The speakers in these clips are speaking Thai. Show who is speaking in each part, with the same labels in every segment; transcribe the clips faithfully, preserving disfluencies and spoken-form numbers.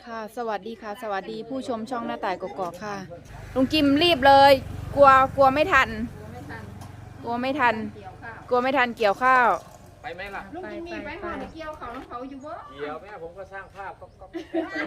Speaker 1: ค่ะสวัสดีค่ะสวัสดีผู้ชมช่องหน้าต่ายกกอกค่ะลุงจิมรีบเลย กลัวกลัวไม่ทัน กลัวไม่ทัน กลัวไม่ทันเกี่ยวข้าว
Speaker 2: ไปไหมล่ะ
Speaker 3: ลุงจิมมีไปหอเกี่ยวเขาน้องเขาอยู่บ่
Speaker 2: เกี่ยวแม่ผมก็สร้างภาพก็ก็ไป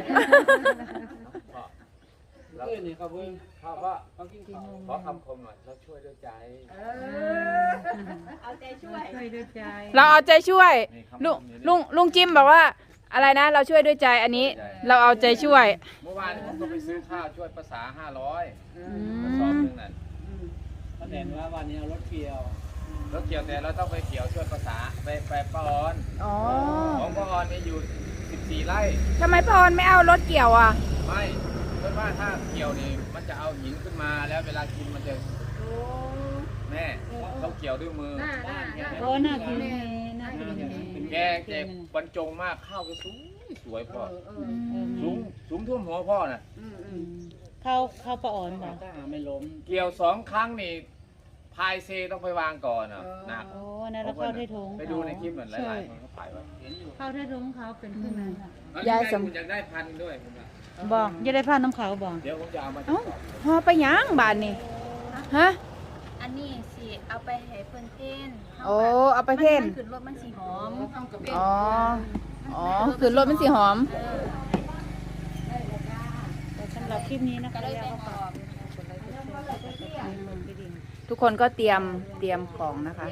Speaker 2: แล้วนี่เขาเพิ่งเขาก็ต้องกินข้าวขอคำคมหน่อยเราช่วยด้วยใจ
Speaker 3: เออเอาใจช่วยช่วยด้วยใจ
Speaker 1: เราเอาใจช่วยลุงลุงลุงจิมบอกว่าอะไรนะเราช่วยด้วยใจอันนี้เราเอาใจช่วย
Speaker 2: เมื่อวานผมก็ไปซื้อข้าวช่วยภาษาห้าร้อยกระสอบหนึ่งนั่น
Speaker 4: เขาเห็นว่าวันนี้เอารถเกี่ยว
Speaker 2: รถเกี่ยวแต่เราต้องไปเกี่ยวช่วยภาษาไปไปป้าออนของป้าออนนี่อยู่สิบสี่ไร่
Speaker 1: ทำไมป้าออนไม่เอารถเกี่ยวอ่ะ
Speaker 2: ไม่เพราะว่าถ้าเกี่ยวนี่มันจะเอาหินขึ้นมาแล้วเวลากินมันจะแม่ต้องเกี่ยวด้วยมือ
Speaker 4: โอ้น่ากินน่ากิน
Speaker 2: แกแกบรรจงมากข้าวก็สวยสวยพ่อสูงสูงท่วมหัวพ่อน่ะ
Speaker 4: เข้าเข้าปะอ่อนบ่ไม่ล้ม
Speaker 2: เกี่ยวสองครั้งนี่พายเซต้องไปวางก่อนอ่ะหนัก
Speaker 4: โอ้นั่นแล้วเข้าได้ถุง
Speaker 2: ไปดูในคลิปเหมือนหลายๆคนเขาถ่ายไว้
Speaker 4: เข้าได้ถุงเขาเป็นขึ้นนั้น
Speaker 2: ยายสมอยากได้พันด้วยผม
Speaker 4: บอกจะได้พันน้ำขาวบอก
Speaker 2: เดี๋ยวผมจะเอามา
Speaker 1: พอไปย่างบานนี่ฮะ
Speaker 3: อันนี้สิเอาไปให้เพิ่นเพ่น
Speaker 1: โอ้เอาไปเพ่น
Speaker 3: มันขึ้นรถมันสีหอม
Speaker 1: อ๋ออ๋อขึ้นรถมันสีหอม
Speaker 4: แต่สำหรับคลิปนี้นะคะ
Speaker 1: ทุกคนก็เตรียมเตรียมของนะคะ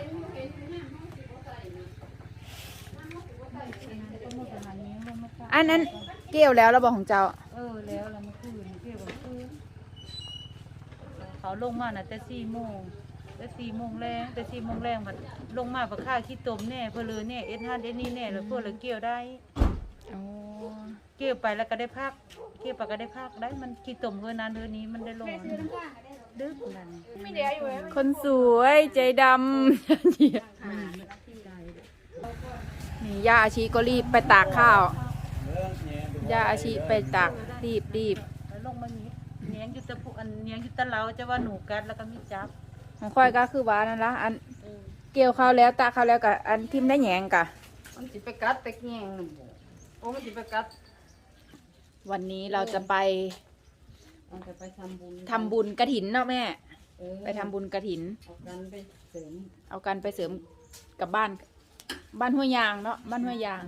Speaker 1: อันนั้นเกี่ยวแล้วเราบอกของเจ้า
Speaker 4: เออแล้วเรามาคืนเกี่ยวกับคืนเขาลงมาน่ะแต่สี่โมงแต่สี่โมงแรงแต่สี่โมงแรงมันลงมาประค่าขี้ตมแน่เพอเลยเนี่ยเอ็ดฮันเอ็ดนี่แน่แล้วพวกเราเกี่ยวได้เกี่ยวไปแล้วก็ได้พักเกี่ยวไปก็ได้พักได้มันขี้ตมเท่านั้นเท่านี้มันได้ลงดึกนั่น
Speaker 1: คนสวยใจดำนี่ย่าอาชีก็รีบไปตากข้าวย่าอาชีไปตากรีบรีบ
Speaker 4: ลงมานี้เนี้ยงยุตะพุอันเนี้ยงยุตะเล้าจะว่าหนูกัดแล้วก็มีจับ
Speaker 1: ของค่อยก็คือว่านั่นละอันเกี่ยวข้าวแล้วตากข้าวแล้วกับอันทิมได้แหงกะ
Speaker 3: มันสิไปกัดไปแง่งโอ้มันสิไปกัด
Speaker 1: วันนี้เราจะไป
Speaker 4: จะไปทำบุญ
Speaker 1: ทำบุญกฐินเนาะแม่ไปทำบุญกฐิน
Speaker 4: เอากันไปเสริม
Speaker 1: เอากันไปเสริมกับบ้านบ้านห้วยยางเนาะบ้านห้วยยาง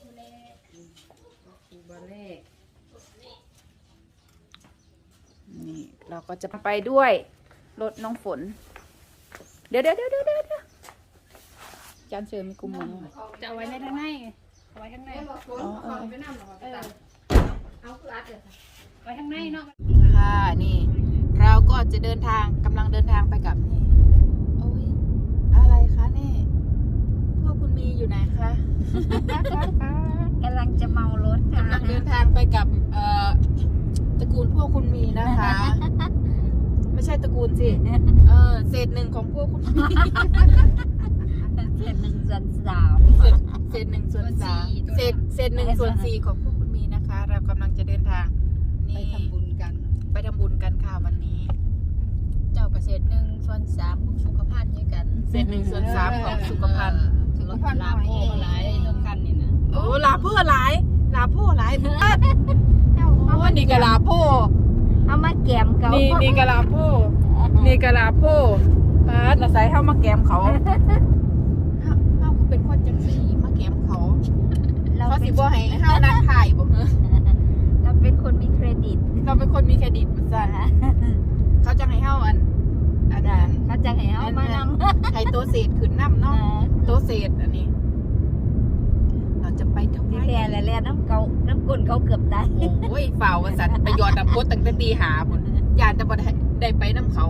Speaker 1: นี่เราก็จะไปด้วยรถน้องฝนเดี๋ยวเดี๋ยวเดี๋ยวเดี๋ยวเดี๋ยวจานเสริมมีกุมมือ
Speaker 3: จะเอาไว้ในข้างในเอาไว้ข้างใน
Speaker 1: อ๋อเออ
Speaker 3: เอาคืออัดเลยไว้ข้างในเนาะ
Speaker 1: ค่ะนี่เราก็จะเดินทางกำลังเดินทางไปกับนี่โอ้ยอะไรคะนี่พวกคุณมีอยู่ไหนคะ
Speaker 3: กำลังจะเมารถ
Speaker 1: กำลังเดินทางไปกับเอ่อตระกูลพวกคุณมีนะคะไม่ใช่ตระกูลสิเออเศษหนึ่งของพวกคุณมี
Speaker 3: เศษหนึ่งส่วนสาม
Speaker 1: เศษหนึ่งส่วนสามเศษเศษหนึ่งส่วนสี่ของพวกคุณมีนะคะเรากำลังจะเดินทางนี่
Speaker 3: ไปทำบุญกัน
Speaker 1: ไปทำบุญกันค่ะวันนี้
Speaker 3: เจ้าเศษหนึ่งส่วนสามของสุขภาพเยอะกัน
Speaker 1: เศษหนึ่งส่วนสามของสุขภาพ
Speaker 3: สุขภาพลาโพหลายเรื่องกันนี่นะ
Speaker 1: โอ้ลาโพหลายลาโพหลายเมื่อโอ้นี่กะลาโพ
Speaker 3: เอามาแกมเขา
Speaker 1: นี่นี่กะลาโพนี่กะลาโพปาดเราใส่เข้ามาแกมเขาเขาคือเป็นคนจังสีมาแกมเขาเขาสิบ่ให้เฮานั่งถ่ายบ่เฮ้อ
Speaker 3: เราเป็นคนมีเครดิต
Speaker 1: เราเป็นคนมีเครดิตมันสั่นเขาจะให้เฮาอันอันนั้น
Speaker 3: เขาจะให้เฮามานำ
Speaker 1: ให้ตัวเศษขึ้นน้ำเนาะตัวเศษอันนี้เราจะไปทำไม
Speaker 3: แค่แหละน้ำเกาน้ำกุ่นเขาเกือบตาย
Speaker 1: โอ้ยฝ่าวสันไปยอดน้ำกดตั้งแต่ตีหาพุ่นยานจะบ่ได้ไปน้ำเขา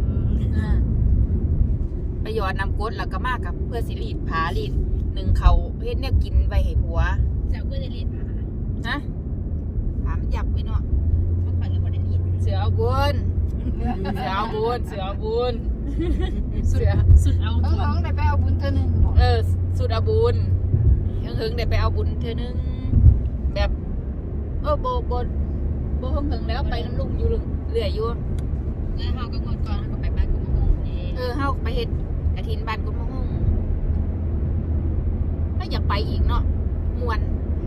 Speaker 1: ไปยอดน้ำกดแล้วก็มากับเพื่อสิรีดผารีดหนึ่งเขาเฮ็ดเนี่ยกินไปให้ผัว
Speaker 3: เจ้าก็จะรีดผา
Speaker 1: ฮะผามันหยับไปเนาะ
Speaker 3: มันข่อยก็บ่ได้รีด
Speaker 1: เสือเอาบุญเสือเอาบุญเสือเอาบุญเสือสุดเอาบุญ
Speaker 3: น้องได้ไปเอาบุญเธอหนึ่ง
Speaker 1: เออสุดเอาบุญเฮิงๆได้ไปเอาบุญเธอหนึ่งแบบเออโบโบโบเฮิงๆแล้วไปน้ำลุงอยู่เรื่อยอยู่
Speaker 3: แล้วเฮาก็งดก่อนเฮาก็ไปบ้านกุมะฮง
Speaker 1: เออเฮาไปเฮ็ดกฐินบ้านกุมะฮงถ้าอยากไปอีกเนาะม่วน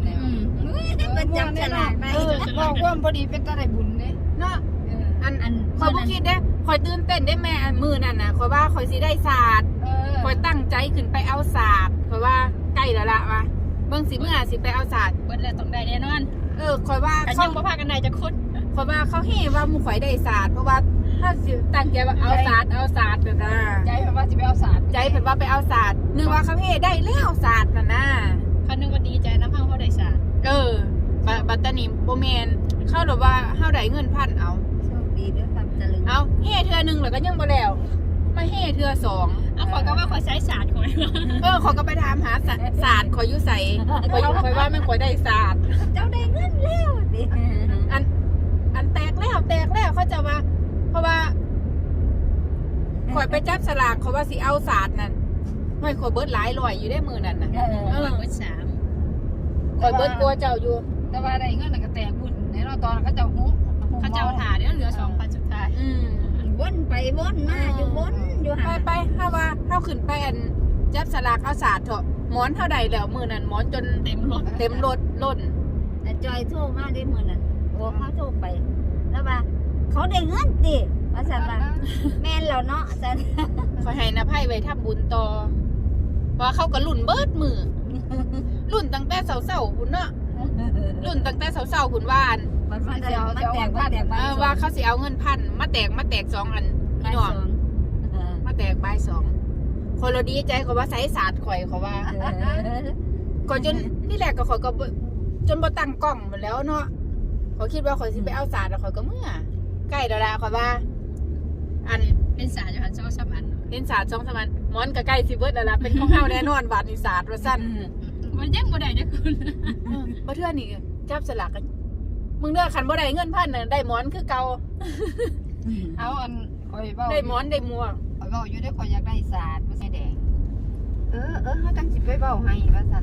Speaker 1: แล้ว
Speaker 5: เป็นจับฉลากได้
Speaker 1: เออบอกว่าพอดีเป็นตาได้บุญเด้เนาะอัน
Speaker 5: อัน
Speaker 1: คอยบ่คิดเด้คอยตื่นเต้นได้แม่อันมือนั่นน่ะคอยว่าคอยสิได้ศาสตร์คอยตั้งใจขึ้นไปเอาศาสตร์คอยว่าใกล้แล้วล่ะว่าเบิ่งสิเมื่อสิไปเอาศาสตร์
Speaker 3: เบิดแล้วต้องได้แน่นอน
Speaker 1: เออคอยว่า
Speaker 3: กัน
Speaker 1: เขา
Speaker 3: ยังบ่พากันได้จะคุด
Speaker 1: คอยว่าเขาเฮ่ว่าหมู่ข่อยได้ศาสตร์เพราะว่าถ้าสิตั้งใจว่าเอาศาสตร์เอาศาสตร์แบบนั้น
Speaker 5: ใจเพิ่นว่าสิไปเอาศาสตร์
Speaker 1: ใจเพิ่นว่าไปเอาศาสตร์นึกว่าเขาเฮ่ได้แล้วศาสตร์น่ะนะ
Speaker 3: คันนึงว่าดีใจน้ำเฮาเฮาได้สาร
Speaker 1: เออบัดบัดตานีบ่แม่นเข้าหรือว่าเฮาได้เงินพันเอา
Speaker 5: โชคดีด้วยความเจริญ
Speaker 1: เอาเฮ่เทื่อหนึงแล้วก็ยังบ่แล้วมาเฮ่เทื่อสอง
Speaker 3: เอาขอยก็ว่าขอยใช้สารข่อยว่า
Speaker 1: เออเขาก็ไปถามหาศาศาสตร์ขอยอยู่ใส่ขอยอยู่ขอยว่าแม่งขอยได้ศาสตร์
Speaker 5: เจ้าได้เงินแล้วดิ
Speaker 1: อัน อันแตกแล้วแตกแล้วเขาจะว่า เพราะว่าขอยไปจับสลากเขาว่าสิเอาศาสตร์นั่นไม่ขอยเบิดหลายร้อยอยู่ได้มือนั่นน่ะ
Speaker 5: เออ
Speaker 3: เบิดสาม
Speaker 1: ขอยเบิดกลัวเจ้าอยู่
Speaker 5: แต่ว่าได้เงินน่ะก็แตกบุญในเราตอนเขาเจ้าฮู้
Speaker 3: เขาจะเอาถ่าเดี๋ยวเหลือสองพันสุดท้าย
Speaker 1: อืม
Speaker 5: วนไปวนมาอยู่วนอยู่
Speaker 1: ไป
Speaker 5: หา
Speaker 1: ไปถ้าว่าเฮาขึ้นไปอันจับสลากเอาศาสตร์เถอะหมอนเท่าใดแล้วมือนั่นหมอนจน
Speaker 3: เต็มรถ
Speaker 1: เต็มรถล้น
Speaker 5: แต่จอยโทรมาได้มื้อนั้นโอ้เขาโทรไป แล้วว่าเขาได้เงินติว่าซั่นว่าแม่นแล้วเนาะซั่น
Speaker 1: ขอยให้นภัยไว้ทำบุญต่อว่าเขาก็ลุ่นเบิดมือลุ่นตั้งแต่เช้าๆพุ่นเนาะลุ่นตั้งแต่เช้าๆพุ่นว่าอัน
Speaker 5: มันมันจะมันแตกมันแตก
Speaker 1: เออว่าเขาสิเอาเงินพันมาแตกมาแตกสองอันพี่น้องมาแตกใบสองคนเราดีใจเขาว่าใส่ศาสตร์ข่อยเขาว่าก่อนจนที่แรกก็ข่อยก็บ่จนบ่ตั้งกล้องหมดแล้วเนาะเขาคิดว่าข่อยสิไปเอาศาสตร์แล้วข่อยก็เมื่อใกล้แล้วล่ะข่อยว่า อัน
Speaker 3: เป็นสารอยู่หันสองสามอัน
Speaker 1: เล่นศาสตร์สองสามอันหมอนก็ใกล้สิเบิดแล้วล่ะเป็นของเฮาแน่นอนบาดนี้ศาสตร์ว่าซั่น
Speaker 3: มันยังบ่ได้จะคุณ
Speaker 1: เออบ่เทื่อนี่จับสลากกันมึงเด้อคันบ่ได้เงินพันน่ะได้หมอนคือเก่า
Speaker 5: เอาอันคอยเว้า
Speaker 1: ได้หมอนได้หมวก
Speaker 5: คอยเว้าอยู่ได้คอยอยากได้ศาสตร์บ่ใช่แดงเออเออเฮาจังสิไปเว้าให้ว่าซั่น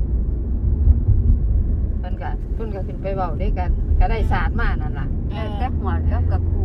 Speaker 5: เพิ่นก็เพิ่นก็ขึ้นไปเว้าด้วยกันก็ได้ศาสตร์มานั่นล่ะแต่หัวกับกับครู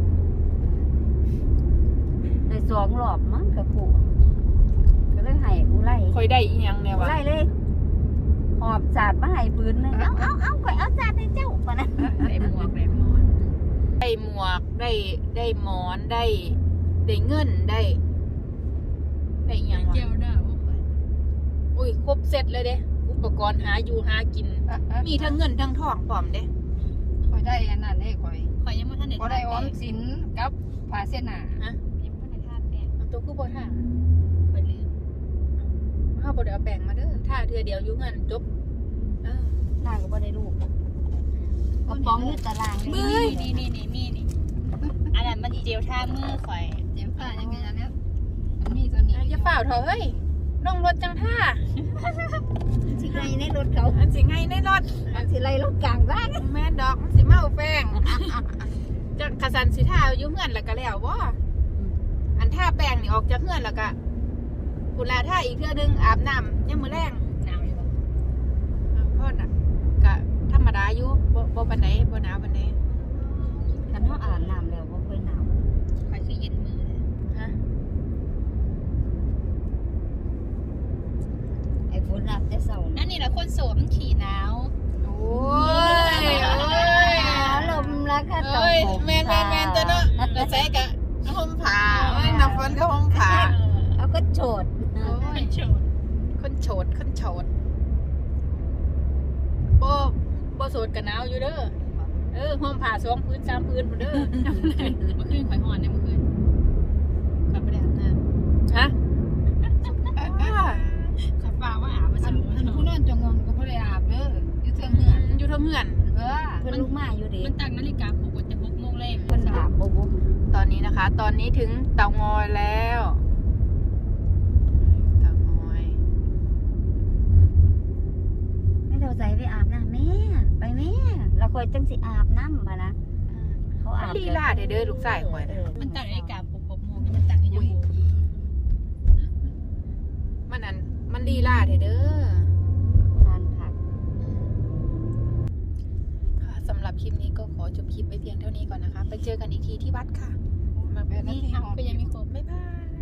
Speaker 5: ได้สองรอบมั้งกับครูก็เลยให้อุไล
Speaker 1: ข่อยได้อีหยังแน่
Speaker 5: อุ
Speaker 1: วะ
Speaker 5: ไลเลยหอบศาสตร์มาให้ปืนนึงเอาเอาเอาข่อยเอาศาสตร์ให้เจ้าปะนะ
Speaker 3: ได้หมวกได้หมอน
Speaker 1: ได้หมวกได้ได้หมอนได้ได้เงินได้ได้อีหยังวะ
Speaker 3: เกี่ยวได้บ่ค่อย
Speaker 1: อุ้ยครบเสร็จเลยเด้อุปกรณ์หาอยู่หากิน มีทั้งเงินทั้งทองพร้อมเด้
Speaker 5: คอยได้อันนั้นเด้คอย
Speaker 3: ข่อยยังบ่ทันได้
Speaker 5: ก็ได้ออมสินกับผ้าเส้นหนา
Speaker 1: ฮะ
Speaker 3: ยังบ่ทันได้ทาแป้ง
Speaker 1: เอาตัวคือบ่ท่า
Speaker 3: ข่อยลืม
Speaker 1: เฮาบ่ได้เอาแป้งมาเด้อท่าเทื่อเดียวอยู่เงินจบเออ
Speaker 5: หน้าก็บ่ได้ลูกกระป๋องอยู่ตาราง
Speaker 1: เบ้ย
Speaker 3: นี่นี่นี่มีนี่อันนั้นมันเจียวท่ามือข่อย
Speaker 5: เจ็บผ้ายังไงอันเนี้ยมันมีตัวนี้
Speaker 1: อย่าเฝ้าเถอะเฮ้ยลงรถจังท่า
Speaker 5: สิไล่ในรถเขา
Speaker 1: อันสิให้ในรถ
Speaker 5: อันสิไล่รถกลางบ้าน
Speaker 1: แม่นดอกมันสิเมาแป้งจังกะสันสิท่าอยู่เฮือนแล้วก็แล้วบ่อันท่าแป้งนี่ออกจากเฮือนแล้วก็กุลาท่าอีกเทื่อนึงอาบน้ำยังมื้อแรง
Speaker 3: หนาวอยู่บ่
Speaker 1: พ่อน่ะก็ธรรมดาอยู่บ่บ่ปานใดบ่หนาวปานใด
Speaker 5: คันเฮาอาบน้ำแล้วบ่ค่อยหนาว
Speaker 3: ข่อยคือเย็นมือเลย
Speaker 1: ฮะ
Speaker 5: ไอ้ฝนอาบแต่เช้า
Speaker 3: นั่นนี่แหละคนโสดมันขี่หนาว
Speaker 1: โอ้ยโอ้ย
Speaker 5: ลมแล้วค่ะต
Speaker 1: เอ้ยแม่นแม่นแม่นตัวเนาะแล้วใส่กะห่มผ้าเอ้ยน้ำฝนก็ห่มผ้า
Speaker 5: เอาก็โฉด
Speaker 1: โอ้
Speaker 3: มั
Speaker 1: ย
Speaker 3: นโฉด
Speaker 1: คนโฉดคนโฉดบ่บ่โสดก็หนาวอยู่เด้อเออห่มผ้าสองพื้นสามพื้นพุ่นเด้อ
Speaker 3: เมื่อคืนข่อยหอนเนี่ยเมื่อคืนข่อยบ่ได้อาบน้
Speaker 1: ฮะ
Speaker 3: ำข่อยฟ้าว่าอาบมา
Speaker 5: อั
Speaker 3: สั่
Speaker 5: น
Speaker 3: ง
Speaker 5: อันผู้นอนจงงอนก็บ่ได้อาบเด้ออยู่เทิงเหือน
Speaker 1: อยู่ทางเฮือน
Speaker 5: เออเพิ่นลุกมาอยู่ดิ
Speaker 3: มันตั้งนาฬิกาปลุกว่าจะหกโมงแรก
Speaker 5: เพิ่นอาบบ่บ่
Speaker 1: ตอนนี้นะคะ ตอนนี้ถึงเตางอยแล้วเตางอย
Speaker 5: ไม่เท่าใจไปอาบน้ำแม่ไปแม่เราค่อยจังสิอาบน้ำมานะเขาอาบ
Speaker 1: ลีลาเด้อเด้อลูกชายข่อยน่ะ
Speaker 3: มันตั้งนาฬิกาปลุกหกโมงมันตั้งให้ยังโมง
Speaker 1: มันอันมันลีลาเด้อเด้อ
Speaker 5: ทานผัก
Speaker 1: ค่ะสำหรับคลิปนี้ก็ขอจบคลิปไว้เพียงเท่านี้ก่อนนะคะ ไปเจอกันอีกทีที่วัดค่ะ มาแบบนี้
Speaker 3: อ้าวก็ยังมีครบ
Speaker 1: บ๊ายบาย